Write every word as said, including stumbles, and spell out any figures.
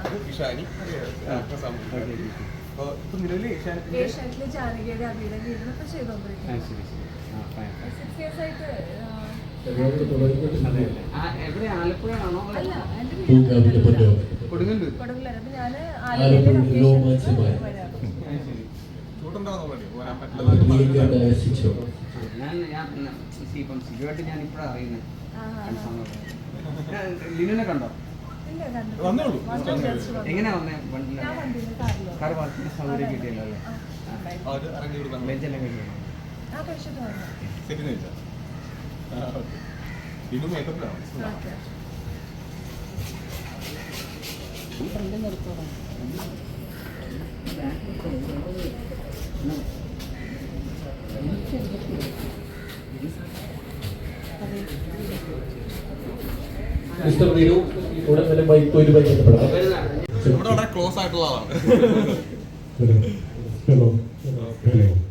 ഇഷാനി ഏഷ്യാനെറ്റിലെ ജാനകിയുടെ അഭിയുടെ വീടിനൊക്കെ ചെയ്തോണ്ടിരിക്കുന്നത് six years ആയിട്ട്. എവിടെ ആലപ്പുഴയാണോ? അല്ല, എന്റെ വീട് കൊടുങ്ങല്ലൂർ. അപ്പൊ ഞാന് ആലപ്പുഴ ഞാൻ ഞാൻ ഇപ്പം സിജുവായിട്ട് ഞാൻ ഇപ്പോഴാണ് അറിയുന്നത്. ലിനുനെ കണ്ടോ? എങ്ങനെയാ വന്നേ? കാർ പാർക്കിന് സൗകര്യം കിട്ടിയല്ലോ അല്ലേ? ബെഞ്ചെല്ലാം കഴിഞ്ഞു. മിസ്റ്റർ വിനു ഉടൻ തന്നെ ബൈക്ക് ബന്ധപ്പെടാം. വളരെ ക്ലോസ് ആയിട്ടുള്ള ആളാണ്. Hello hello hello